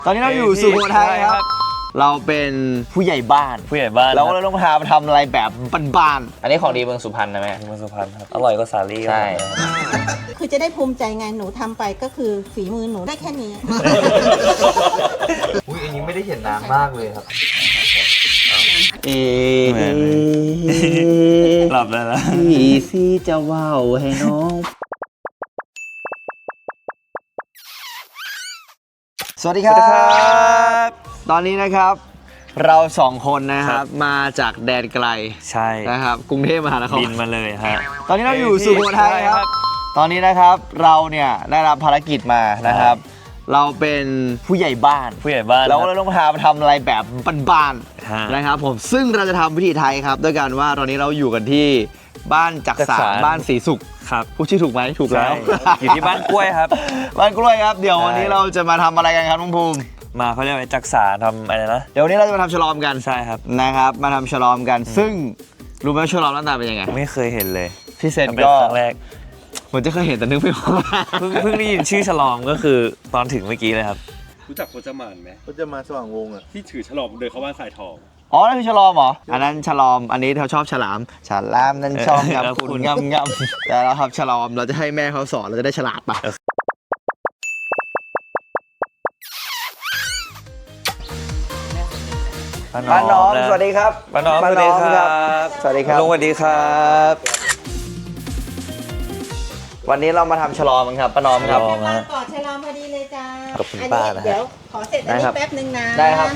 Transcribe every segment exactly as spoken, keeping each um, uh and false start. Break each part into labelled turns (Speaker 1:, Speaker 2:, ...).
Speaker 1: ตอนนี้เราอยู่สุโขทัยครับเราเป็นผู้ใหญ่บ้าน
Speaker 2: ผู้ใหญ่บ้าน
Speaker 1: เราก็เลยต้องพาไปทำอะไรแบบบ้านๆอันนี้ของดีเมืองสุพรรณนะแม่
Speaker 2: เมืองสุพรรณครับอร่อยกว่าสาลี่
Speaker 1: ใช่
Speaker 3: คือจะได้ภูมิใจไงหนูทำไปก็คือฝีมือหนูได้แค่นี้
Speaker 1: อุ้ยอันนี้ไม่ได้เห็นน้ำมากเลยครับเอ
Speaker 2: หลับแล้วนะ
Speaker 1: พี่ซีจะว่าวให้น้องสวัสดีครับตอนนี้นะครับเราสองคนนะครับมาจากแดนไกล
Speaker 2: ใช่
Speaker 1: นะครับกรุงเทพมหานคร
Speaker 2: บินมาเลยฮะ
Speaker 1: ตอนนี้เราอยู่สุโขทัยครับตอนนี้นะครับเราเนี่ยได้รับภารกิจมานะครับเราเป็นผู้ใหญ่บ้าน
Speaker 2: ผู้ใหญ่บ้าน
Speaker 1: เราก็เลยต้องพาไปทำอะไรแบบบ้านๆนะครับผมซึ่งเราจะทำวิธีไทยครับด้วยการว่าตอนนี้เราอยู่กันที่บ้านจักสานบ้านศรีสุข
Speaker 2: ครับ
Speaker 1: พูดชื่อถูกไหมถูกแล้ว
Speaker 2: อยู่ที่บ้านกล้วยครับ
Speaker 1: บ้านกล้วยครับเดี๋ยววันนี้เราจะมาทำอะไรกันครับน้องภูมิ
Speaker 2: มาเขาเรียกว่าจักสานทำอะไรนะ
Speaker 1: เดี๋ยววันนี้เราจะมาทำฉลอมกัน
Speaker 2: ใช่ครับ
Speaker 1: นะครับมาทำฉลอมกันซึ่งรู้ไหมฉลอมหน้าตาเป็นยังไง
Speaker 2: ไม่เคยเห็นเลย
Speaker 1: พี่เซนก็
Speaker 2: ครั้งแรก
Speaker 1: ผมจะเคยเห็นแต่นึกไม่ออก
Speaker 2: เพิ่งเพิ่งได้ยินชื่อฉลอมก็คือตอนถึงเมื่อกี้เลยครับ
Speaker 4: รู้จักพจมานไหม
Speaker 5: พจมานสว่างวงอ่ะ
Speaker 4: ที่ถือฉลอมเดินเข้าบ้านสายทอง
Speaker 1: อ๋อนั่นคือฉลอมเหรออันนั้นฉลอมอันนี้เขาชอบฉลามฉลามนั่นชอบงับคุณงับงับแต่เราครับฉลอมเราจะให้แม่เขาสอนเราจะได้ฉลาดปะป้าน้อมสวัสดีครับ
Speaker 2: ป้าน้อมสวัสดีครับ
Speaker 1: สวัสดีครับ
Speaker 2: ลุงสวัสดีครับ
Speaker 1: วันนี้เรามาทำฉลอมกันครับป้าน้อมครับ
Speaker 3: มาก่อนฉลอมพอดีเลยจ้า
Speaker 2: กับคุณป้านะ
Speaker 3: เดี๋ยวขอเสร็จอันนี้แป๊บนึงนะ
Speaker 1: ได้ครับ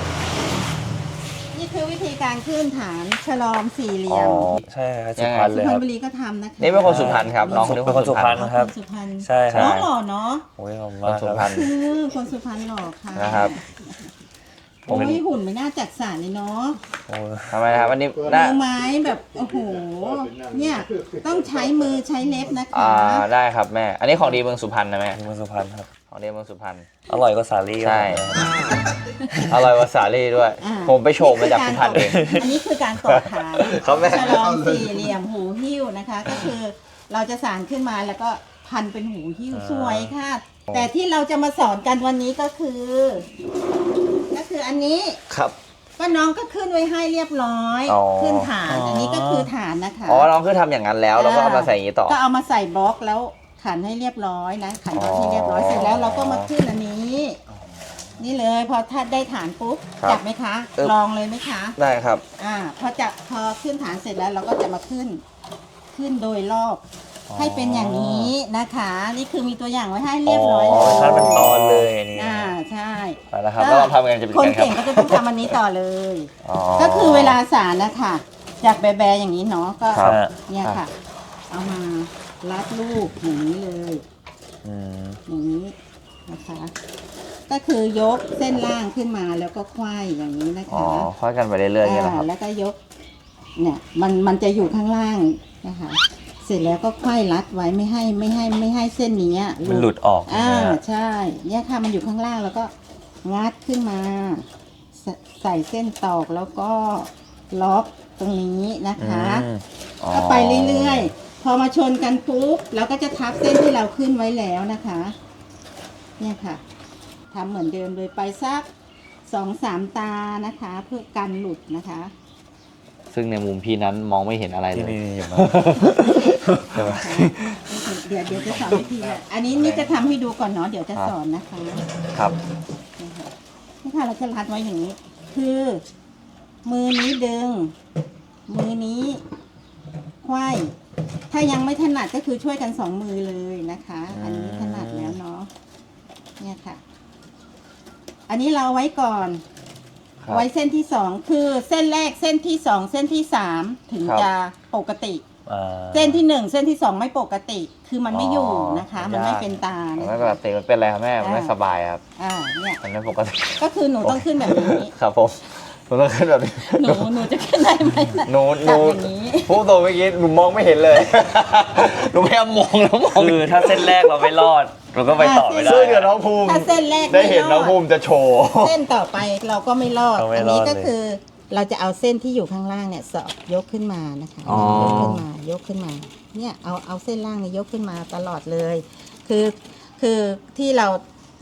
Speaker 3: นี่คือวิธีการขึ้นฐานฉลอมสี่เหลี่ยม
Speaker 2: ใช่ครับสุพรรณเลย
Speaker 3: ค
Speaker 2: รับ
Speaker 3: สุพรรณบุรีก็ทำนะคะ
Speaker 1: นี่เป็นคนสุพรรณครับน้อง
Speaker 2: เป็นคนสุพรรณครับ
Speaker 3: สุพรรณ
Speaker 2: ใช่ครับ
Speaker 3: น้องหล่อเนาะ
Speaker 2: โอ้ยขอบคุณ
Speaker 1: มากครับ
Speaker 3: คนสุพรรณหล่อค่ะ
Speaker 1: นะครับ
Speaker 3: โอ้ยหุ่นไม่น่าจัดสรรเลยเนาะ
Speaker 1: ทำไมครับวันนี้
Speaker 3: มือไม้แบบโอ้โหเนี่ยต้องใช้มือใช้เล็บนะคะ
Speaker 1: อ่าได้ครับแม่อันนี้ของดีเมืองสุพรรณนะแม่
Speaker 2: เมืองสุพรรณครับ
Speaker 1: ของดีเมืองสุพรรณ
Speaker 2: อร่อยกว่าสาลี่
Speaker 1: ใช่อร่อยกว่าสาลี่ด้วยผมไปโฉบมาจากสุพรรณเอง
Speaker 3: อันนี้คือการต่อฐานฉลองสี่เหลี่ยมหูหิ้วนะคะก็คือเราจะสานขึ้นมาแล้วก็พันเป็นหูหิ้วสวยค่ะแต่ที่เราจะมาสอนกันวันนี้ก็คือก็คืออันนี้
Speaker 1: ครับ
Speaker 3: ก็น้องก็ขึ้นไว้ให้เรียบร้อยขึ้นฐานอันนี้ก็คือฐานนะคะ
Speaker 1: อ๋อน้องคือทำอย่างนั้นแล้วแล้วก็เอามาใส่อย่างนี้ต่อ
Speaker 3: ก็เอามาใส่บล็อกแล้วขันให้เรียบร้อยนะขันบล็อกให้เรียบร้อยเสร็จแล้วเราก็มาขึ้นอันนี้นี่เลยพอถ้าได้ฐานปุ๊บจับไหมคะลองเลยไหมคะ
Speaker 1: ได้ครับ
Speaker 3: อ่าพอจับพอขึ้นฐานเสร็จแล้วเราก็จะมาขึ้นขึ้นโดยรอบให้เป็นอย่างนี้นะคะนี่คือมีตัวอย่างไว้ให้เรียบร้อย
Speaker 2: เลยถ้าเป็นตอนเลยนี่
Speaker 3: อ่าใช่
Speaker 1: แล้วครับแล้วเราทำกันจะเป็น
Speaker 3: คนเก่งก็จะต้องทำอันนี้ต่อเลยก็คือเวลาสารนะคะจากแบๆอย่างนี้เนาะก็เนี่ยค่ะเอามารัดลูกอย่างนี้เลยอย่างนี้นะคะก็คือยกเส้นล่างขึ้นมาแล้วก็ควายอย่างนี้นะคะอ๋อ
Speaker 1: ควายกันไปเรื่อยๆอย่างนี้นะครับ
Speaker 3: แล้วก็ยกเนี่ยมันมันจะอยู่ข้างล่างนะคะเสร็จแล้วก็ควายรัดไว้ไม่ให้ไม่ให้ไม่ให้เส้นนี้
Speaker 2: มันหลุดออก
Speaker 3: อ่าใช่เนี่ยค่ะมันอยู่ข้างล่างแล้วก็งัดขึ้นมาใส่เส้นตอกแล้วก็ล็อกตรงนี้นะคะก็ไปเรื่อยๆพอมาชนกันปุ๊บเราก็จะทับเส้นที่เราขึ้นไว้แล้วนะคะเนี่ยค่ะทำเหมือนเดิมเลยไปสักสองสามตานะคะเพื่อกันหลุดนะคะ
Speaker 1: ซึ่งในมุมพี่นั้นมองไม่เห็นอะไรเลย
Speaker 2: นี่อยู่มา
Speaker 3: เดี๋ยวเดี๋ยวจะสอนวิธีอันนี้นี่จะทำให้ดูก่อนเนาะเดี๋ยวจะสอนนะคะ
Speaker 1: ครับ
Speaker 3: นี่ค่ะเราจะรัดไว้อย่างนี้คือมือนี้ดึงมือนี้ควายถ้ายังไม่ถนัดก็คือช่วยกันสองมือเลยนะคะอันนี้ถนัดแล้วเนาะเนี่ยค่ะอันนี้เราไว้ก่อนไว้เส้นที่สองคือเส้นแรกเส้นที่สองเส้นที่สามถึงจะปกติเส้นที่หนึ่งเส้นที่สองไม่ปกติคือมันไม่อยู่นะคะมันไม่เป็นตา
Speaker 1: ไม่ปกติมันเป็นอะไรครับแม่มันไม่สบายครับ
Speaker 3: อ่าเนี่ย
Speaker 1: มันไม่ปกติ
Speaker 3: ก็คือหนูต้องขึ้นแบบนี้
Speaker 1: ครับผมหนูต้องขึ้นแบบนี้
Speaker 3: หนูหนูจะขึ้นได้ไหม
Speaker 1: หนูหนูพูดตัวเมื่อกี้หนูมองไม่เห็นเลยหนูพยายามมองแล้วมอง
Speaker 2: คือถ้าเส้นแรกเราไม่รอดเราก็ไปต่อไม่ได้
Speaker 1: ซึ่งเดี๋ยวน้องภูมิ
Speaker 3: ถ้าเส้นแรก
Speaker 1: ได้เห็นน้องภูมิจะโชว์
Speaker 3: เส้นต่อไปเราก็ไม่รอดอันนี้ก็คือเราจะเอาเส้นที่อยู่ข้างล่างเนี่ยสอบยกขึ้นมานะคะยกขึ้นมายกขึ้นมาเนี่ยเอาเอาเส้นล่างเนี่ยยกขึ้นมาตลอดเลยคือคือที่เรา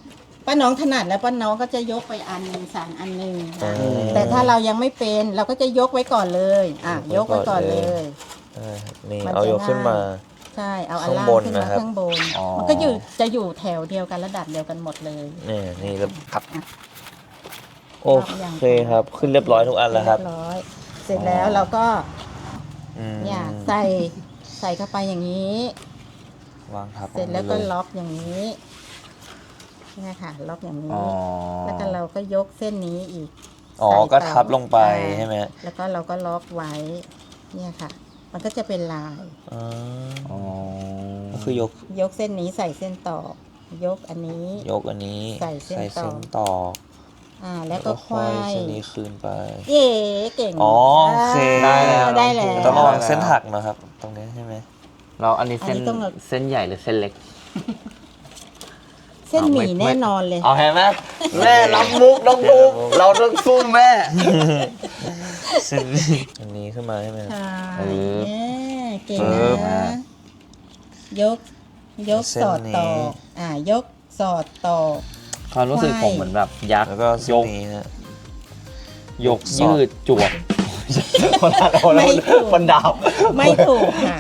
Speaker 3: ป้าน้องถนัดแล้วป้าน้องก็จะยกไปอันหนึ่งสั่งอันหนึ่ง
Speaker 2: อืม
Speaker 3: แต่ถ้าเรายังไม่เป็นเราก็จะยกไว้ก่อนเลยอ่ะย
Speaker 2: ย
Speaker 3: ก
Speaker 2: กไว้
Speaker 3: ไว้
Speaker 2: ก่
Speaker 3: ก่
Speaker 2: อ
Speaker 3: อน น
Speaker 2: เล
Speaker 3: เลย ย
Speaker 2: เออนี่
Speaker 3: มันจะ
Speaker 2: เอายกขึ้นมา
Speaker 3: ใช่เอาอันล่าง
Speaker 2: ข้างบน
Speaker 3: ขึ้น
Speaker 2: นะ
Speaker 3: มา
Speaker 2: ครับ
Speaker 3: ข้างบน
Speaker 1: อ๋อ
Speaker 3: มันก็อยู่จะอยู่แถวเดียวกันระดับเดียวกันหมดเลย
Speaker 2: นี่นี่แล้ว
Speaker 1: ครับ
Speaker 2: โอเคครับ ขึ้นเรียบร้อยทุกอันแล้วครับ
Speaker 3: เรียบร้อยเสร็จแล้วเราก็
Speaker 2: อืม
Speaker 3: เนี่ยใส่ใส่เข้าไปอย่างนี้
Speaker 2: วางทับ
Speaker 3: เสร็จแล้วก็
Speaker 2: ลงไปเย
Speaker 3: ล็อกอย่างนี้เนี่ยค่ะล็อกอย่างนี้
Speaker 1: อ๋อ
Speaker 3: แล้วก็เราก็ยกเส้นนี้อีก
Speaker 2: อ๋อ
Speaker 3: ใส่ต่
Speaker 2: ก็ทับลงไป
Speaker 3: อ่า
Speaker 2: ใช่ไหม
Speaker 3: แล้วก็เราก็ล็อกไว้ เนี่ยค่ะ มันก็จะเป็นลาย
Speaker 2: อ๋อ
Speaker 1: อ๋อ
Speaker 2: ก็คือยก
Speaker 3: ยกเส้นนี้ใส่เส้นต่อ ยกอันนี้
Speaker 2: ยกอันนี้
Speaker 3: ใส่เส้นต่อ
Speaker 2: นต่อ
Speaker 3: อ่า แล้วก็ควาย
Speaker 2: เส้นนี้คืนไป
Speaker 3: เย่เก่ง
Speaker 2: อ๋อโอเค
Speaker 3: อ่า
Speaker 1: ได้แล้ว
Speaker 3: ได้แล้ว
Speaker 2: ต้องระวังเส้นหักนะครับ ตรงนี้ใช่ไหม
Speaker 1: เราอันนี้เส้น
Speaker 3: อันนี้ต้องแบบ
Speaker 1: เส้นใหญ่หรือเส้นเล็ก
Speaker 3: เส้นหมี่
Speaker 1: เอาไม่
Speaker 3: แน่นอนเลย
Speaker 1: เอาเห็นไหมแม่รับมุกน้องมุกเราต้องสู้แม่
Speaker 2: เส้นอันนี้ขึ้นมาใช่ไหม
Speaker 3: ใช่
Speaker 1: เออ
Speaker 3: เนี่ยเก่ง
Speaker 2: ปึ๊บ
Speaker 3: นะ ยก ยก
Speaker 2: เส้น
Speaker 3: สอดต่อ
Speaker 2: นี้
Speaker 3: อ่า ยกสอดต่อ
Speaker 1: ความรู้สึกผมเหมือนแบบยักษ์
Speaker 2: แล้วก็เส้นนี้ฮะ
Speaker 1: ยกยืดจวบคนละคนละ
Speaker 3: ไม่ถูก
Speaker 1: คนดาว
Speaker 3: ไม่ถูกค่ะ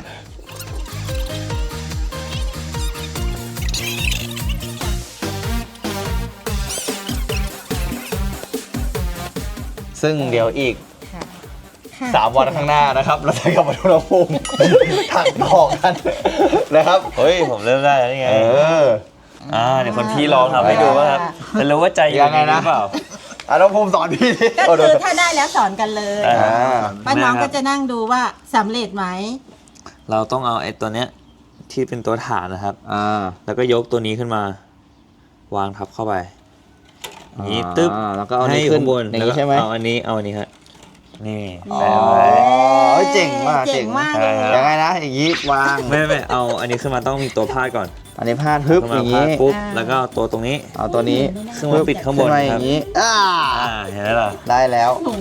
Speaker 1: ซึ่งเดี๋ยวอีก
Speaker 3: ค่ะค่ะ
Speaker 1: สามวันข้างหน้านะครับ เราจะกลับมาทุนภูมิถักต่อกันนะครับ
Speaker 2: เฮ้ย ผมเริ่มได้แล้วนี่ไง
Speaker 1: เออ
Speaker 2: อ่าเดี๋ยวคนพี่ลองทำให้ดูว่าครับจะรู้ว่าใจอยู่
Speaker 1: ยังไงนะ
Speaker 2: หรือเปล่า
Speaker 1: อ่ะน้องภูมิสอนพี่ดิ
Speaker 3: ก็คือถ้าได้แล้วสอนกันเลย
Speaker 2: อ่า
Speaker 3: ป้าน้องก็จะนั่งดูว่าสำเร็จไหม
Speaker 2: เราต้องเอาไอ้ตัวเนี้ยที่เป็นตัวฐานนะครับ
Speaker 1: อ่า
Speaker 2: แล้วก็ยกตัวนี้ขึ้นมา วางทับเข้าไปอย่างนี้ตึ๊บ
Speaker 1: อ่าแล้วก็เอา
Speaker 2: ให้
Speaker 1: นี้
Speaker 2: อยู่
Speaker 1: ขึ้น
Speaker 2: ข้างบน
Speaker 1: อย่าง
Speaker 2: แล้ว
Speaker 1: นี้
Speaker 2: ก็
Speaker 1: ใช่ไหม
Speaker 2: เอาอันนี้เอาอันนี้ครับนี่
Speaker 3: อ๋อ
Speaker 2: แปะไว้
Speaker 1: เฮ้ยเจ๋งมาก
Speaker 3: เจ๋งมากเลย
Speaker 2: เจ๋ง
Speaker 1: ยังไงนะอย่างนี้วาง
Speaker 2: ไม่ไม่เอาอันนี้ขึ้นมาต้องมีตัวพาดก่อน
Speaker 1: อันนี้พาดฮึบ
Speaker 2: ขึ้น
Speaker 1: อ
Speaker 2: มา
Speaker 1: ย่าง
Speaker 2: พาด
Speaker 1: นี้
Speaker 2: ปุ๊บ
Speaker 3: อ่า
Speaker 2: แล้วก็เอาตัวตรงนี้
Speaker 1: เอาตัวนี้
Speaker 2: ซึ่งมันปิดข้างบน
Speaker 1: ขึ้มาอ
Speaker 2: ครับ
Speaker 1: ย่างนี้อ่า
Speaker 2: อ่าเห็นไหมล่ะ
Speaker 1: ได้แล้ว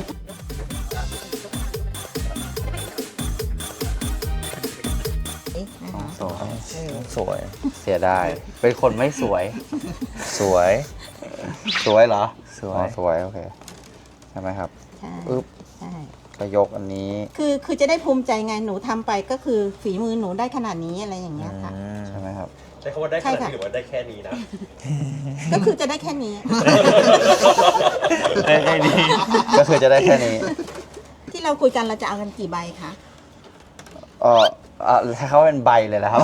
Speaker 3: นะคะ
Speaker 1: สวย
Speaker 2: สวย
Speaker 1: เสียดาย เป็นคนไม่สวย
Speaker 2: สวย
Speaker 1: สวยเหรอ
Speaker 2: สวย
Speaker 1: อ๋อสวย โอเค ใช่ไหมครับ
Speaker 3: ใช่
Speaker 1: ปึ๊บ
Speaker 3: ใช่
Speaker 1: ก็ยกอันนี้
Speaker 3: คือคือจะได้ภูมิใจไงหนูทำไปก็คือฝีมือหนูได้ขนาดนี้อะไรอย่างเงี้ยค่ะ
Speaker 2: อืม
Speaker 1: ใช่ไหมครับ
Speaker 4: ใช้คำว่าได้ข
Speaker 3: ใช่
Speaker 4: นาด
Speaker 3: ค่ะ
Speaker 4: นี้หรือว่าได้แค่นี้นะ
Speaker 3: ก็คือจะได้แค่นี้
Speaker 2: ได้ได้ดี
Speaker 1: ก็คือจะได้แค่นี้
Speaker 3: ที่เราคุยกันเราจะเอากันกี่ใบคะ
Speaker 1: เอออ่ะให้เขาเป็นใบเลยนะครับ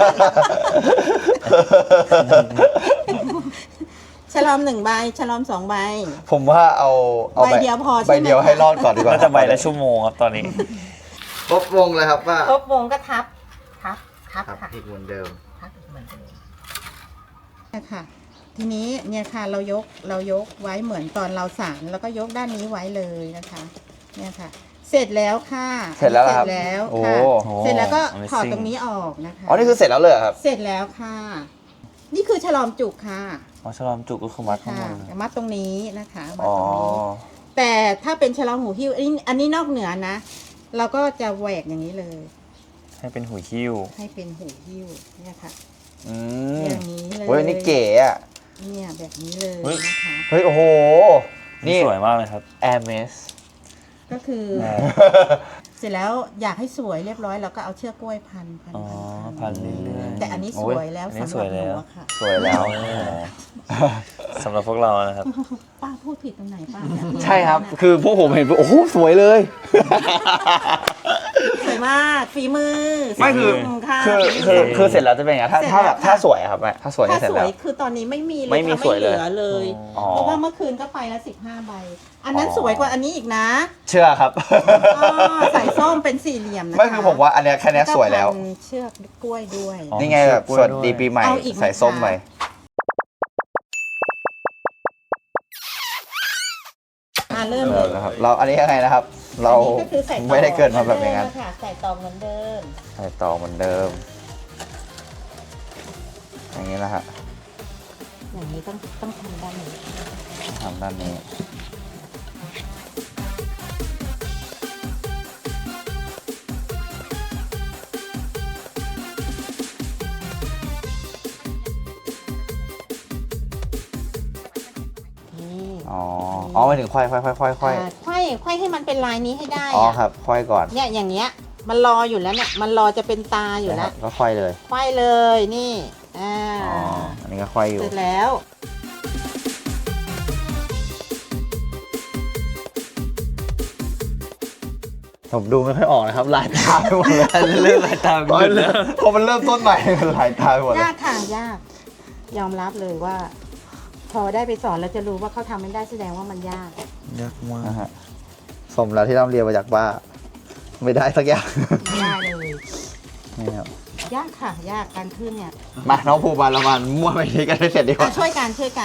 Speaker 3: ฉลอมหนึ่งใบฉลอมสองใบ
Speaker 1: ผมว่าเอาเอา
Speaker 3: ใบเดียวพอใช่ไหม
Speaker 1: ใบเดียวให้รอดก่อนดีกว่า
Speaker 2: น่าจะใบละชั่วโมงครับตอนนี้
Speaker 1: ครบวงเลยครับว่า
Speaker 3: ครบวงก็ทับ ทับ ทับ
Speaker 1: ครับ
Speaker 3: ค่ะ
Speaker 1: อีกเหมือนเดิม
Speaker 3: ทับเหมือนเดิมเนี่ยค่ะ ทีนี้เนี่ยค่ะเรายกเรายกไว้เหมือนตอนเราสานแล้วก็ยกด้านนี้ไว้เลยนะคะ เนี่ยค่ะ เสร็จแล้วค่ะ
Speaker 1: เสร็จแล้วเหรอ
Speaker 3: เส
Speaker 1: ครั
Speaker 3: ร็
Speaker 1: บ
Speaker 3: จแล้ว
Speaker 1: โอ้
Speaker 3: ค่ะ
Speaker 2: โอ้
Speaker 3: เสร็จแล้วก็
Speaker 2: Amazing
Speaker 3: ถอดตรงนี้ออกนะคะ
Speaker 1: อ๋อ นี่คือเสร็จแล้วเลยเหรอครับ
Speaker 3: เสร็จแล้วค่ะ นี่คือฉลอมจุกค่ะ
Speaker 2: อ๋อฉลอมจุกก็คือมัดข้าง
Speaker 3: ค่ะ
Speaker 2: บนเลย
Speaker 3: มัดตรงนี้นะคะมัด
Speaker 1: อ๋อ
Speaker 3: ตรงนี้ แต่ถ้าเป็นฉลอมหูหิ้วอันนี้อันนี้นอกเหนือนะ เราก็จะแหวกอย่างนี้เลย
Speaker 2: ให้เป็นหุยคิ้ว
Speaker 3: ให้เป็นหูหิ้วเนี่ยค่ะ
Speaker 1: อืม
Speaker 3: อย่างนี้เลย
Speaker 1: เฮ้ยนี่เก๋อะ
Speaker 3: เนี่ยแบบนี้เลย
Speaker 2: เฮ้ย
Speaker 3: นะคะ
Speaker 1: เฮ้ย โอ้โห
Speaker 2: นี่
Speaker 1: นี่
Speaker 2: สวยมากเลยครับ
Speaker 1: Hermes
Speaker 3: ก็คือ เสร็จแล้วอยากให้สวยเรียบร้อยเราก็เอาเชือกกล้วยพันพัน
Speaker 2: อ๋อ
Speaker 3: พัน
Speaker 2: พันเรื่อยๆ
Speaker 3: แต่อันนี้สวยแล้ว
Speaker 2: อันนี้
Speaker 3: สำหรับ
Speaker 2: สวย
Speaker 3: ห
Speaker 2: แล้
Speaker 3: นู
Speaker 2: ว
Speaker 3: อะค่ะ
Speaker 1: สวยแล้ว
Speaker 2: สำหรับพวกเรานะครับ
Speaker 3: ป้าพูดผิดตรงไหนป้า
Speaker 1: ใช่ครับ คือพวกผมเห็นปุ๊บโอ้โห สวยเลย
Speaker 3: สวยมากฝีมือ
Speaker 1: ไม่คือ
Speaker 3: ค่ะ
Speaker 1: คือ
Speaker 3: ฝีมื
Speaker 1: คือคือเสร็จแล้วจะเป็นไงถ้า
Speaker 3: เสร็จ
Speaker 1: ถ้าแบบ
Speaker 3: แล้วค่ะ
Speaker 1: ถ้าสวยอะครับแม่ถ้าสวย
Speaker 3: ถ้า
Speaker 1: นี่เสร็จ
Speaker 3: สว
Speaker 1: แล้
Speaker 3: ยว คือตอนนี้ไม่มีเลย
Speaker 1: ไม่มี
Speaker 3: ค่ะ
Speaker 1: สวยเลย
Speaker 3: เหลือเลย
Speaker 1: อ๋อ
Speaker 3: เพราะว่าเมื่อคืนก็ไปแล้วสิบห้าใบ อันนั้น
Speaker 1: อ๋อ
Speaker 3: สวยกว่าอันนี้อีกนะ
Speaker 1: เชื่อครับ
Speaker 3: อ๋อใส่ส้มเป็นสี่เหลี่ยมนะคะ
Speaker 1: ไม่คือผมว่าอันเนี้ยแค่เนี้ยสวยแล้ว
Speaker 3: ก็พันเชือกกล้วยด้วย
Speaker 2: อ๋อ
Speaker 1: นี่ไงแบบสวัสดีปีใหม่
Speaker 3: เอาอีกไหม
Speaker 1: ใส่ส้ม
Speaker 3: คะ
Speaker 1: ไป
Speaker 3: อ่าเริ่ม
Speaker 1: เอ
Speaker 3: เล
Speaker 1: อย นะครับ เราอันนี้ยังไงนะครับ เรา
Speaker 3: อันนี้ก็คือใส่ตอก
Speaker 1: ไม่ได้เกิดมาแบบอย่างนั้น
Speaker 3: เหมืเดิมะค่ะใส่ตอกเหมือนเดิม
Speaker 1: ใส่ต่อเหมือนเดิม อย่างนี้นะฮะ
Speaker 3: อย่างนี้ต้องต้องทำด้านนี้
Speaker 1: ทำด้านนี้อ๋ออ๋อหมายถึงควายควายควายควายควาย
Speaker 3: อ่าควายควายให้มันเป็นลายนี้ให้ได้
Speaker 1: อ๋อ
Speaker 3: อะ
Speaker 1: ครับควายก่อน
Speaker 3: เนี่ยอย่างเงี้ยมันรออยู่แล้วเนี่ยมันรอจะเป็นตาอยู่
Speaker 1: นะค
Speaker 3: แล้
Speaker 1: รั
Speaker 3: ว
Speaker 1: บก็ควายเลย
Speaker 3: ควายเลยนี่อ่า
Speaker 1: อ๋ออันนี้ก็ควายอยู่
Speaker 3: เสร็จแล้ว
Speaker 1: ผมดูไม่ค่อยออกนะครับลายตาไปหมดเลย
Speaker 2: เริ่มลายตาม
Speaker 1: พอ
Speaker 2: ขึ้น
Speaker 1: เริ่
Speaker 2: แล้
Speaker 1: ม
Speaker 2: ว
Speaker 1: พอมันเริ่มต้นใหม่ มันลายตาไปหมดเลย
Speaker 3: ยากค่ะยาก ยอมรับเลยว่า พอได้ไปสอนเราจะรู้ว่าเขาทำไม่ได้แสดงว่ามันยาก
Speaker 2: ยากมาก
Speaker 1: นะฮะสมแล้วที่เราเรียนมาจากบ้าไม่ได้สักอย่าง
Speaker 3: ยากเลย
Speaker 1: นี่ครับ
Speaker 3: ยากค่ะ ยากการขึ้นเนี่ย
Speaker 1: มาน้องภูบาลเรามามั่วไปนี้กันให้เสร็จดีก
Speaker 3: อ่ะ
Speaker 1: ว่า
Speaker 3: ช่วยกันช่วยกัน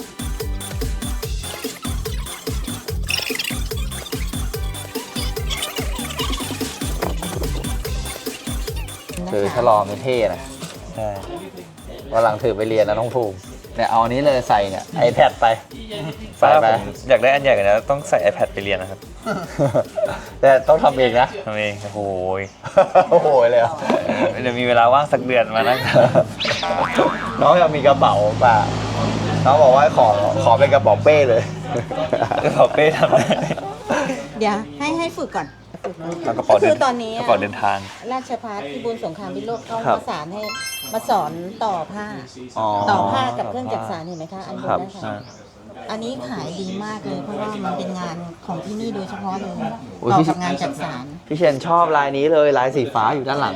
Speaker 1: ถือฉลอมเป็นเท่นะ
Speaker 2: ใช่
Speaker 1: วันหลังถือไปเรียนนะน้องภูมิเนี่ยเอาอันนี้เลยใส่เนี่ย iPad ไป ใส่
Speaker 2: ป้า
Speaker 1: ไป
Speaker 2: ผมอยากได้อันใหญ่กว่านี้ต้องใส่ iPad ไปเรียนนะครับ
Speaker 1: แต่ต้องทำเองนะ
Speaker 2: ทำเองโอ้โหย
Speaker 1: โอ้โหเลยเหรอ
Speaker 2: เดี๋ยวมีเวลาว่างสักเดือนมานั่ง
Speaker 1: น้องอยากมีกระเป๋าป่ะน้องบอกว่าขอขอเป็นกระเป๋าเป้เลย
Speaker 2: กระเป๋าเป้ทำได้
Speaker 3: เดี๋ยวให้ให้ฝึกก่อนฝึก
Speaker 2: แล้วกระเป๋า
Speaker 3: ก็
Speaker 2: เดิ
Speaker 3: คื
Speaker 2: น
Speaker 3: อตอนนี้
Speaker 2: กระเป๋าเดินทาง
Speaker 3: ราชภัฏพิบูลสงครามพิโรธเขา
Speaker 2: ครับ
Speaker 3: ประสานให้มาสอนต่อผ้า
Speaker 1: อ๋อ
Speaker 3: ต่อผ้ากับเครื่องจักสานเห็นไหมคะอันบน
Speaker 1: ครับ
Speaker 3: นะคะ
Speaker 2: อ่า
Speaker 3: อันนี้ขายดีมากเลยเพราะว่ามันเป็นงานของที่นี่โดยเฉพาะเลย
Speaker 1: โอ้ย
Speaker 3: ต่อ
Speaker 1: พี่
Speaker 3: กับงานจักสาน
Speaker 1: พี่เชนชอบลายนี้เลยลายสีฟ้าอยู่ด้านหลัง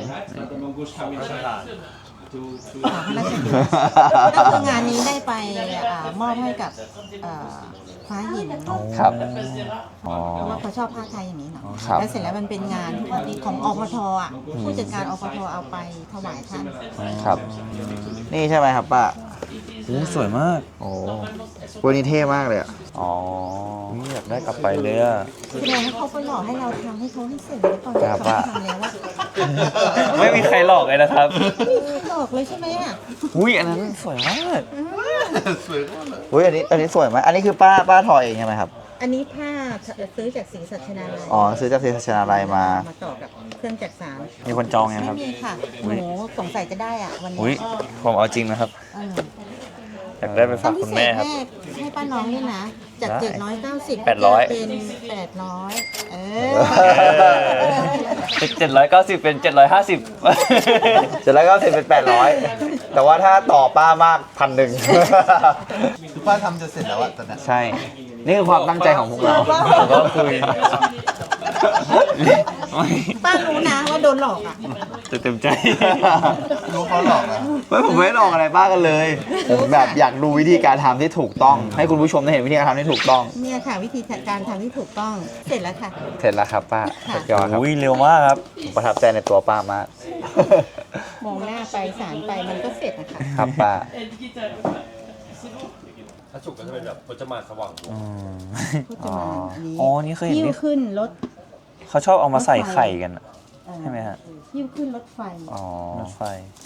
Speaker 3: ขอพระราชทานก็คืองานนี้ได้ไปอ่ามอบให้กับอ่าฟ้าหิน
Speaker 1: ครับอ๋อ
Speaker 3: เพราะว่าเขาชอบผ้าไทยอย่างนี้เนาะ
Speaker 1: ครับ
Speaker 3: แล้วเสร็จแล้วมันเป็นงานที่ของอปทอ่ะผู้จัดการอปทเอาไปถวายท่าน
Speaker 1: ครับ นี่ใช่ไหมครับป้า
Speaker 2: โอ้สวยมาก
Speaker 1: โอ้วันนี้เท่มากเลยอ่ะ
Speaker 2: อ๋อนี่อยากได้กลับไปเลยอะ
Speaker 3: แสดงว่าเขาไปหลอกให้เราทำให้เขาให้เสร็จแล้วก่อน
Speaker 1: ครับ
Speaker 3: เขาทำแล้วว่า
Speaker 2: ไม่มีใครหลอกเลยนะครับ
Speaker 3: ไม่มีใครหลอกเลยใช่ไหมอ่ะ
Speaker 2: อุ้ยอันนั้นสวยมาก
Speaker 1: อุ้ยอันนี้อันนี้สวยไหมอันนี้คือป้าป้าทอเองใช่ไหมครับ
Speaker 3: อันนี้ผ้าซื้อจากศรีสัชนาลัย
Speaker 1: อ๋อซื้อจากศรีสัชนาลัยมา
Speaker 3: มาต่อกับเครื่องจักสาน
Speaker 2: มีคนจองยัง
Speaker 3: ไม่
Speaker 2: ครับ
Speaker 3: มีค่ะหนูสงสัยจะได้อ่ะวัน
Speaker 2: อุ้ย
Speaker 3: นี้
Speaker 2: ผมเอาจริงนะครับ
Speaker 3: เออ
Speaker 2: อยากได้ไป
Speaker 3: ต้
Speaker 2: ฝา
Speaker 3: อก งพิ
Speaker 2: คุณ
Speaker 3: เศ
Speaker 2: แม่
Speaker 3: ษ
Speaker 2: ครับ
Speaker 3: ให้ให้ป้าน้องด้วยนะ จาก
Speaker 2: ได้
Speaker 3: เจ็ดร้อยเก้าสิบ
Speaker 2: แปดร้อย
Speaker 3: เป็นแปดร้อยเออ
Speaker 2: เป็นเจ็ดร้อยเก้าสิบเป็นเจ็ดร้อยห้าสิบ
Speaker 1: เสร็จแล้วก็เสร็จเป็นแปดร้อยแต่ว่าถ้าต่อป้ามากพันหนึ่ง
Speaker 5: คือป้าทำจะเสร็จแล้วอะตอนนั้น
Speaker 1: ใช่ นี่คือความตั้งใจของพวกเรา
Speaker 2: ก็คุย
Speaker 3: ป้ารู้นะว่าโดนหลอกอ่ะ
Speaker 2: จะเต็มใจ
Speaker 5: รู้เขาหลอกนะ
Speaker 1: ไม่ผมไม่ได้ลองอะไรป้ากันเลย ผมแบบอยากดูวิธีการทำที่ถูกต้อง ให้คุณผู้ชมได้เห็นวิธีการทำที่ถูกต้อง
Speaker 3: เนี่ยค่ะ วิธีการทำที่ถูกต้องเสร็จแล้วค่ะ
Speaker 1: เสร็จแล้วครับป้า
Speaker 3: ค่ะ
Speaker 1: สุดยอดครับ
Speaker 2: อุ้ยเร็วมากครับ
Speaker 1: ผมประทับใจในตัวป้ามาก
Speaker 3: มองหน้าไปสารไปมันก็เสร็จนะคะ
Speaker 1: ครับป้า
Speaker 4: ถ้าฉุกก็จะเป็นแบบพจมานสว่างวง
Speaker 3: พูดจะมาอันนี้
Speaker 2: อ๋อนี่เคยเห็น
Speaker 3: หิ้ว
Speaker 2: ที่
Speaker 3: ขึ้นรถ
Speaker 2: เขาชอบเอามาใส่ไข่กันอะ
Speaker 3: เอ่อ
Speaker 2: ใช่ไหมฮะ
Speaker 3: หิ้วขึ้นรถไฟ
Speaker 1: อ๋อ
Speaker 2: รถไฟ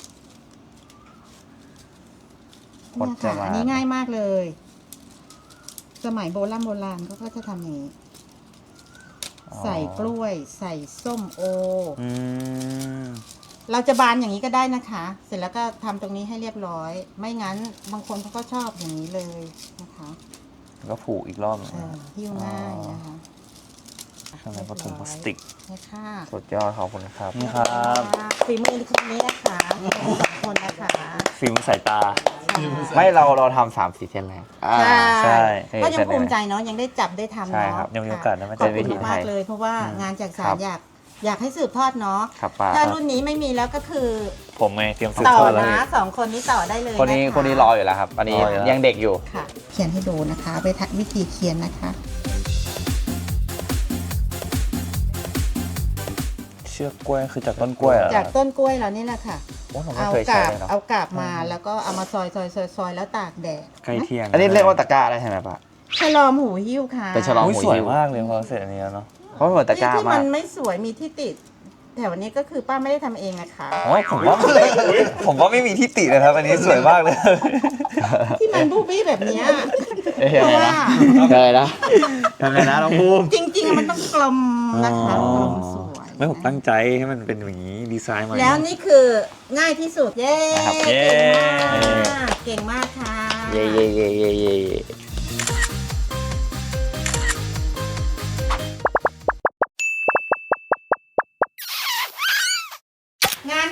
Speaker 1: พ
Speaker 3: เนี่ย
Speaker 1: จ
Speaker 3: ค่ะ
Speaker 1: มาน
Speaker 3: อันนี้ง่ายมากเลย สมัยโบราณโบราณเขาก็จะทำอย่างนี้ ใส่กล้วย ใส่ส้มโอ
Speaker 2: อืม
Speaker 3: เราจะบานอย่างนี้ก็ได้นะคะ เสร็จแล้วก็ทำตรงนี้ให้เรียบร้อย ไม่งั้นบางคนเขาก็ชอบอย่างนี้เลยนะคะ
Speaker 2: แล้วก็ผูกอีกรอบหนึ่ง
Speaker 3: เออหิ้วง่ายนะคะ
Speaker 2: ข้างในก็ถุงพลาสติก
Speaker 3: นี่ค่ะ
Speaker 1: สุดยอดขอบคุณครับ
Speaker 2: นี่ครับ
Speaker 3: ฝีมือคนนี้นะคะสองคนนะคะ
Speaker 2: ฟิล์มสายตา
Speaker 1: ไม่เราเราทำสามสี่เส้นแล้วอ่า
Speaker 2: ใช่
Speaker 3: ก็ยังภูมิใจเนาะยังได้จับได้ทำ
Speaker 1: ใช่
Speaker 3: เนาะ
Speaker 1: ครับ
Speaker 2: ยังมีโอกาสได้มา
Speaker 3: ขอบ
Speaker 2: เจอ
Speaker 3: คุ
Speaker 2: วิ
Speaker 3: ณ
Speaker 2: ธีไท
Speaker 3: มาก
Speaker 2: ย
Speaker 3: เลย เพราะว่างานจากสา
Speaker 1: ครั
Speaker 3: ร
Speaker 1: บ
Speaker 3: อยากอยากให้สืบทอดเนาะ
Speaker 1: ครับป้า
Speaker 3: ถ้ารุ่นนี้ไม่มีแล้วก็คือ
Speaker 2: ผมไงเตรียมสืบ
Speaker 3: ต่อ
Speaker 2: ทอดแล้ว
Speaker 3: นะสองคนนี้ต่อได้เลย
Speaker 1: คนนี้
Speaker 3: ะะ
Speaker 1: คนนี้รออยู่แล้วครับ อันนี้
Speaker 2: รออยู่แล้ว
Speaker 1: ยังเด็กอยู่
Speaker 3: ค่ะ เขียนให้ดูนะคะไปทักวิธีเขียนนะคะ
Speaker 2: เชือกกล้วยคือจากต้นกล้วยเหรอ
Speaker 3: จากต้นกล้วยเรานี่แหละค่ะ
Speaker 1: โอ้ผมไม่
Speaker 3: เอา
Speaker 1: เคย
Speaker 3: ก
Speaker 1: ใช้
Speaker 3: าบ
Speaker 1: เลยเนาะ
Speaker 3: เอากาบมาแล้วก็เอามาซอยซอยซอยซอยแล้วตากแดด
Speaker 2: ใกล้เที่ยง
Speaker 1: อันนี้เรียกว่าตะกร้าได้ใช่ไหมป้า
Speaker 3: ฉลอมหูหิ้วค่ะ
Speaker 1: เป็นฉลอม
Speaker 2: อุ้ยสวยมากเลยพอเสร็จอันนี้แล้วเนาะ
Speaker 1: เพราะมันเหมือนตะกร้า
Speaker 3: ที่
Speaker 1: มา
Speaker 3: มั
Speaker 1: ก
Speaker 3: นไม่สวยมีที่ติดแถวนี้ก็คือป้าไม่ได้ทำเองนะคะ
Speaker 2: โอ้ยผมว่า ผมว่าไม่มีที่ตินะครับ อันนี้สวยมากเลย
Speaker 3: ที่มันบูบี้แบบเนี้ย
Speaker 1: เอ้ย
Speaker 3: เพราะว่า
Speaker 1: เคยนะทำไงนะน้องภูมิ
Speaker 3: จริงๆ มันต้องกลมนะคะ
Speaker 2: อ๋อ
Speaker 3: กลมสวย
Speaker 2: ไม่ผมตั้งใจให้มันเป็นอย่างนี้ดีไซน์มา
Speaker 3: แล้วนี่คือง่ายที่สุด เย้
Speaker 1: นะครับ
Speaker 2: เย้
Speaker 3: เก่งมากเก่งมากค่ะ
Speaker 1: เย่เย่เย่เย่เย่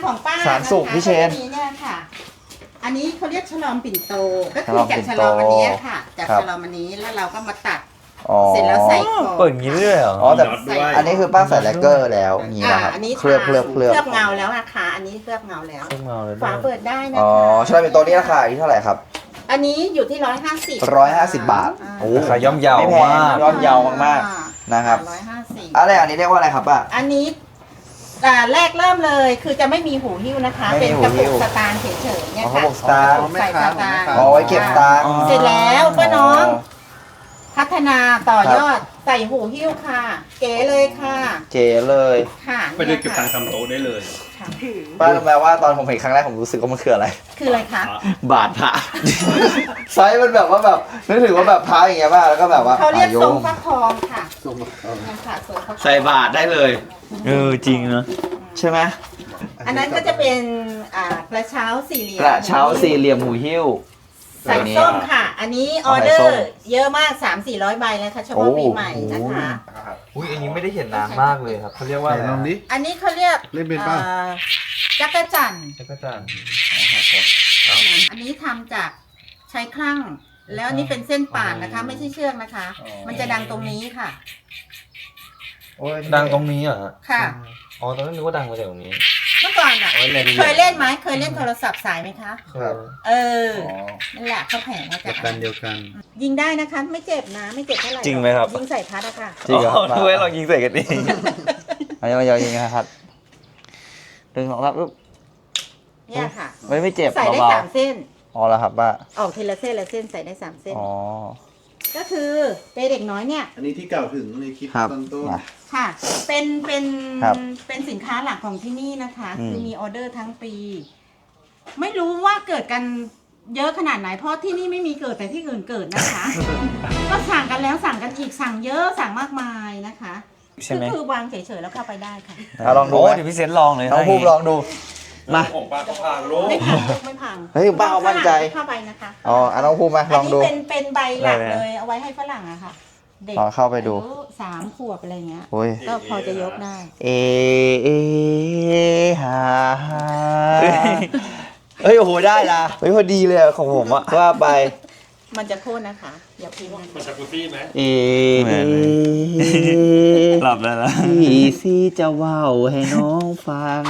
Speaker 3: ของป้า
Speaker 1: สารสุก
Speaker 3: นะคะ
Speaker 1: พี่เชน
Speaker 3: อันนี้เนี่ยค่ะ อันนี้เขาเรียกฉลอมปิ่นโต ก็
Speaker 1: ฉ
Speaker 3: คื
Speaker 1: ล
Speaker 3: อ
Speaker 1: อม
Speaker 3: จาก
Speaker 1: ปิ่น
Speaker 3: ฉ
Speaker 1: โต
Speaker 3: ลอมอันเนี้ยค่ะ จาก
Speaker 1: ครับ
Speaker 3: ฉลอมอันนี้แล้วเราก็มาตัด
Speaker 1: อ๋อ
Speaker 3: เสร็จแล้วใส่ของ
Speaker 2: เปิดอย่างนี้ด้วยเหรอ
Speaker 1: อ๋อแต่
Speaker 4: น็อตด้วย
Speaker 1: อันนี้คือป้าใส่แลกเกอร์แล้วอย่างนี้
Speaker 3: อ่า
Speaker 1: นะครับ
Speaker 3: อันนี้
Speaker 1: เคลือบเคลือบเคลือบ
Speaker 3: เคลือบเงาแล้วอะค่ะ อันนี้เคลือบเงาแล้ว
Speaker 2: เครื่องเมาเลย
Speaker 3: ฝาเปิดได้นะ
Speaker 1: อ๋อ
Speaker 3: คะ
Speaker 1: ฉลามปิ่นโตนี่ราคาอยู่ที่เท่าไหร่ครับ
Speaker 3: อันนี้อยู่ที่ร้อยห้าสิบ
Speaker 1: ร้อยห้าสิบบาท
Speaker 3: อ่า
Speaker 1: โอ้
Speaker 2: ราคาย่อมเยาว
Speaker 1: ไม่แพง
Speaker 2: มาก
Speaker 1: ย่อมเยาวมากๆนะครับ
Speaker 3: ร้อยห้าสิบ
Speaker 1: อะไรอันนี้เรียกว่าอะไรครับป้า
Speaker 3: อันนี้อ่าแรกเริ่มเลยคือจะไม่มีหูหิ้วนะคะ
Speaker 1: ไม่
Speaker 3: เป็น
Speaker 1: มีหู
Speaker 3: กระ
Speaker 1: หิ้
Speaker 3: ปุก
Speaker 1: ว
Speaker 3: สตางค์เฉยๆเนี่ย
Speaker 1: อ๋อ
Speaker 3: ค่ะ
Speaker 1: กระปุกสตางค์
Speaker 3: ใส่สตางค์
Speaker 1: อ๋อไว้เก็บตังค์
Speaker 3: เสร็จแล้วป้าน้อง พัฒนาต่อยอดใส่หูหิ้วค่ะ เก๋เลยค่ะ
Speaker 1: เจ๋เลย
Speaker 3: ค่ะ
Speaker 4: ไปเดินเก็บตังค์ทำโต๊ะได้เลย
Speaker 3: ค่ะ
Speaker 1: ป้ารู้ไหมว่าตอนผมเห็นครั้งแรกผมรู้สึกว่ามันคืออะไร
Speaker 3: คืออะไรคะ
Speaker 1: บาทพระ ไซส์มันแบบว่าแบบนึกถึงว่าแบบพระอย่างเงี้ยป่ะแล้วก็แบบว่า
Speaker 3: เขาเรียก
Speaker 1: อ่ะโย
Speaker 3: ทรง
Speaker 1: ง
Speaker 3: ฟักทองค่ะทรงฟักทองค่ะทรงฟักทอง
Speaker 1: ใส่บาทได้เลย
Speaker 2: เออจริงนะ
Speaker 1: ใช่ไหม
Speaker 3: อันนั้นก็จะเป็นอ่ากระเช้าสี่เหลี่ยม
Speaker 1: กระเช้าสี่เหลี่ยมหูหิ้ว
Speaker 3: ใส่ส้มค่ะ อันนี้ออเดอ
Speaker 1: ใส่ส้ม
Speaker 3: ร์เยอะมาก สามสี่ร้อยใบแล้วค่ะเฉพาะ
Speaker 1: โอ้
Speaker 3: ปีใหม่นะคะ
Speaker 2: อุ้ยอันนี้ไม่ได้เห็นนานมากเลยครับเขาเรียกว่า
Speaker 5: ไหน
Speaker 2: อะไร
Speaker 5: ลองดิ
Speaker 3: อันนี้เขาเรียก
Speaker 5: เล่นเป็นป่ะ
Speaker 3: อ่อจักรจันทร์
Speaker 2: จักรจันทร์
Speaker 3: อันนี้ทำจากใช้คลั่ง แล้วอันนี้เป็นเส้นป่านนะคะ ไม่ใช่เชือกนะคะ มันจะดังตรงนี้ค่ะ
Speaker 1: โอ้ย
Speaker 2: ดังตรงนี้เหรอฮะ
Speaker 3: ค่ะ
Speaker 2: อ๋อตอนนั้นนึกว่าดังมาจากตรงนี้
Speaker 3: เมื่อก่อนอ่ะ
Speaker 2: เอาไว้เล่น
Speaker 3: เคยเล่นไหมเคยเล่นโทรศัพท์สายไหมคะ
Speaker 2: ครับ
Speaker 3: เออ
Speaker 1: อ๋อ
Speaker 3: นั่นแหละเขาแผงมาจาก
Speaker 5: กันเดียวกัน
Speaker 3: ยิงได้นะคะ ไม่เจ็บนะ ไม่เจ็บเท่าไหร่
Speaker 2: จริงไหมครับ
Speaker 3: ยิงใส่พัดอะค่ะ
Speaker 1: จริงเหรอ
Speaker 2: อ๋อนึกว่าเรายิงใส่กันเอง
Speaker 1: เอายาวๆยิงนะครับหนึ่งสองสามปุ๊บ
Speaker 3: เนี่ยค่ะ
Speaker 1: ไม่ไม่เจ็บ
Speaker 3: ใส่ได้
Speaker 1: เบา
Speaker 3: สามเส้น
Speaker 1: ๆอ๋อแล้วครับป้า
Speaker 3: ออกทีละเส้นละเส้นใส่ได้สามเส้น
Speaker 1: อ๋อ
Speaker 3: ก็คือเป็นเด็กน้อยเนี่ย
Speaker 5: อันนี้ที่กล่าวถึงในคลิป
Speaker 1: ครับ
Speaker 5: ตอนต้น
Speaker 1: มา
Speaker 3: ค่ะ เป็นเป็น
Speaker 1: ครับ
Speaker 3: เป็นสินค้าหลักของที่นี่นะคะ
Speaker 1: อืม
Speaker 3: คือมีออเดอร์ทั้งปี ไม่รู้ว่าเกิดกันเยอะขนาดไหน เพราะที่นี่ไม่มีเกิดแต่ที่อื่นเกิดนะคะ ก็สั่งกันแล้วสั่งกันอีกสั่งเยอะสั่งมากมายนะคะ
Speaker 2: ใช่ไหม
Speaker 3: ก็คือวางเฉยๆแล้วเข้าไปได้ค่ะ
Speaker 1: เอาลองดู
Speaker 2: โอ้
Speaker 1: ไหม
Speaker 2: เดี๋ยวพี่เซนลองเลย
Speaker 1: น้องภูมิลองดู มา
Speaker 4: ของป้าก็พางโลก
Speaker 3: ไม่พังไม่พัง
Speaker 1: เฮ้ยป้าเอามั่นใจ
Speaker 3: เข้าไปนะคะ
Speaker 1: อ๋ออ่ะน้องภูมิมาลองดู
Speaker 3: นนี้เป็นเป็นใบหลักเลยเอาไว้ให้ฝรั่งอะค่ะ เด็ก
Speaker 1: ลองเข้าไปดู
Speaker 3: อายุสามขวบอะไรเงี้ย
Speaker 1: โอ้ย
Speaker 3: ก็พอจะยกได้
Speaker 1: เอเอฮาฮาเฮ้ยโอ้โหได้ละเฮ้ยพอดีเลยอะของผมอะว่าไป
Speaker 3: มันจะโค่นนะคะ อย่าพิมพ์
Speaker 4: มันจะกุซี่ไหม
Speaker 1: เอ
Speaker 2: เหมือนไหม หลับแล้วนะ
Speaker 1: พี่ซีจะเว้าให้น้องฟัง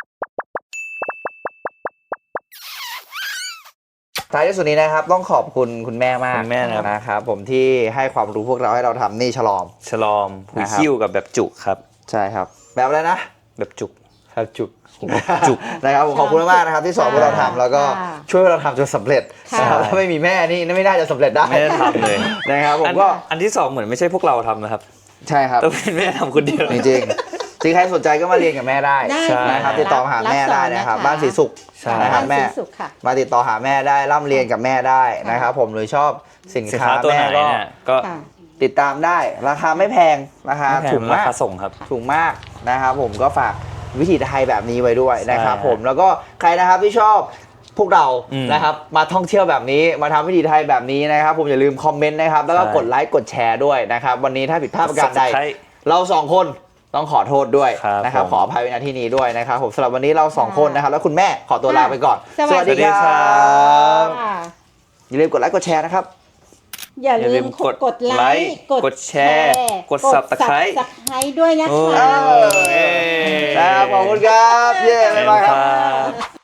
Speaker 1: ท้ายที่สุดนี้นะครับ ต้องขอบคุณคุณแม่มาก
Speaker 2: คุณแม่นะครับ
Speaker 1: นะครับผมที่ให้ความรู้พวกเราให้เราทำนี่ฉลอม
Speaker 2: ฉลอมหู
Speaker 1: นะครับ
Speaker 2: คิ้วกับแบบจุกครับ
Speaker 1: ใช่ครับ แบบอะไรนะ
Speaker 2: แบบจุก
Speaker 1: แบบจุก
Speaker 2: จุก
Speaker 1: นะครับผมขอบคุณมากๆนะครับที่สอนพวกเราทำแล้วก็
Speaker 3: ค่ะ
Speaker 1: ช่วยพวกเราทำจนสำเร็จ
Speaker 3: ค่ะ
Speaker 1: นะครับถ้าไม่มีแม่นี่ไม่น่าจะสำเร็จได้
Speaker 2: ไม่ได้ทำเลย
Speaker 1: นะครับผม
Speaker 2: อัน
Speaker 1: ก็
Speaker 2: อันที่สองเหมือนไม่ใช่พวกเราทำนะครับ
Speaker 1: ใช่ครับ
Speaker 2: ต้องเป็นแม่ทำคนเดียว
Speaker 1: จริงๆจริงใครสนใจก็มาเรียนกับแม่ได้
Speaker 3: ได้
Speaker 2: ใช่
Speaker 1: นะครับติดต่อมาหาแม่ได้นะครับบ้านสีสุข
Speaker 2: ใช่
Speaker 1: นะครับแม่
Speaker 3: บ้านศรีสุขค่ะ
Speaker 1: มาติดต่อหาแม่ได้ร่ำเรียนกับแม่ได้นะครับผมหรือชอบสิน
Speaker 2: สิน
Speaker 1: ค้า
Speaker 2: ค้าตัว
Speaker 1: แม่
Speaker 2: ไหน
Speaker 1: ก็
Speaker 2: เนี่ยก็
Speaker 3: ค่ะ
Speaker 1: ติดตามได้ราคาไม่แพงราคา
Speaker 2: ไม่แพ
Speaker 1: ถู
Speaker 2: ง
Speaker 1: ก
Speaker 2: รา
Speaker 1: มาก
Speaker 2: คาส่งครับ
Speaker 1: ถูกมากนะครับผมก็ฝากวิถีไทยแบบนี้ไว้ด้วยนะครับ
Speaker 2: ใช่
Speaker 1: ผมแล้วก็ใครนะครับที่ชอบพวกเรา
Speaker 2: อืม
Speaker 1: นะครับมาท่องเที่ยวแบบนี้มาทำวิถีไทยแบบนี้นะครับผมอย่าลืมคอมเมนต์นะครับแล้วก็
Speaker 2: ใช่
Speaker 1: กดไลค์กดแชร์ด้วยนะครับวันนี้ถ้าผิดพลาดประการใด
Speaker 2: Subscribe
Speaker 1: เราสองคนต้องขอโทษด้วย
Speaker 2: ครับ
Speaker 1: นะครับ
Speaker 2: ผม
Speaker 1: ขออภัยในที่นี้ด้วยนะครับผมสำหรับวันนี้เราสองคนนะครับแล้วคุณแม่ขอตัวลาไปก่อน
Speaker 3: สวัสดี
Speaker 1: ครั
Speaker 2: ครับ บ
Speaker 3: ค่ะ
Speaker 1: อย่าลืมกดไลค์กดแชร์นะครับ
Speaker 3: อย่า
Speaker 2: อย่าลื
Speaker 3: ลืม
Speaker 2: ม
Speaker 3: ก
Speaker 2: ก
Speaker 3: ด
Speaker 2: ด
Speaker 3: กดไล
Speaker 2: ไลค์
Speaker 3: ค์
Speaker 2: กดแชร์กด Subscribe
Speaker 3: สับสไครด้วยนะ
Speaker 2: โอ้
Speaker 3: คะ
Speaker 2: ย
Speaker 1: นะครับขอบคุณครับ เย้บ๊ายบายครับ
Speaker 2: ครับ